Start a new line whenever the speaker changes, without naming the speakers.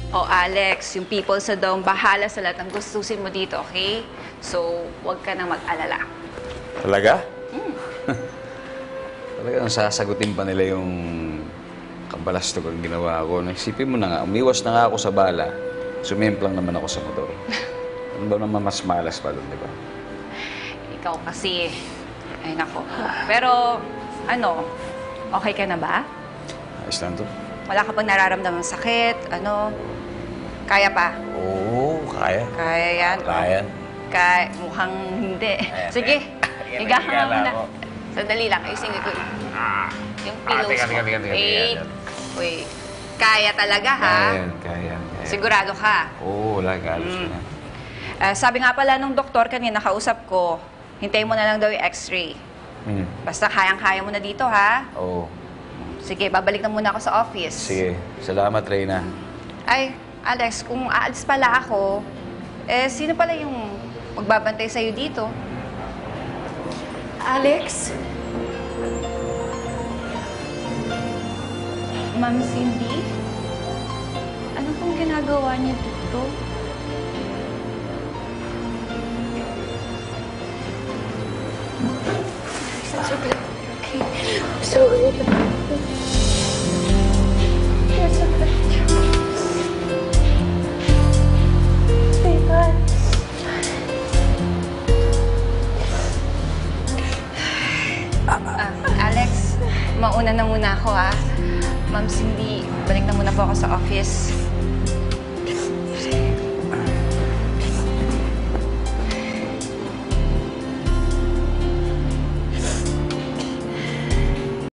O Alex, yung people sa dome, bahala sa lahat ng gustusin mo dito, okay? So, huwag ka nang mag-alala.
Talaga? Talagang sasagutin pa nila yung kabalastog ang ginawa ko. Naisipin mo na nga, umiwas na nga ako sa bala. Sumimplang naman ako sa motor. Ano ba naman mas malas pa doon, di ba?
Ikaw kasi, ay nako. Pero, ano, okay ka na ba?
Ayos lang to.
Wala ka pang nararamdamang sakit, ano? Kaya pa?
Oo, kaya.
Kaya yan?
Kaya.
Mukhang hindi. Sige, higa ka nga muna. Sandali lang, ayusin ko. Yung pillows mo. Wait. Wait. Kaya talaga, ha?
Kaya.
Sigurado ka?
Oo, wala ka. Alos na.
Sabi nga pala nung doktor kanina, nakausap ko, hintayin mo na lang daw yung x-ray. Basta kayang-kaya mo na dito, ha?
Oo.
Sige, babalik na muna ako sa office.
Sige. Salamat, Reyna.
Ay, Alex, kung aalis pala ako, sino pala yung magbabantay sa'yo dito?
Alex?
Ma'am Cindy? Ano pong ginagawa niyo dito?
It's okay. Okay. I'm sorry. It's okay. Sweetheart.
Alex, mauna na muna ako, ha? Ma'am Cindy, balik na muna po ako sa office.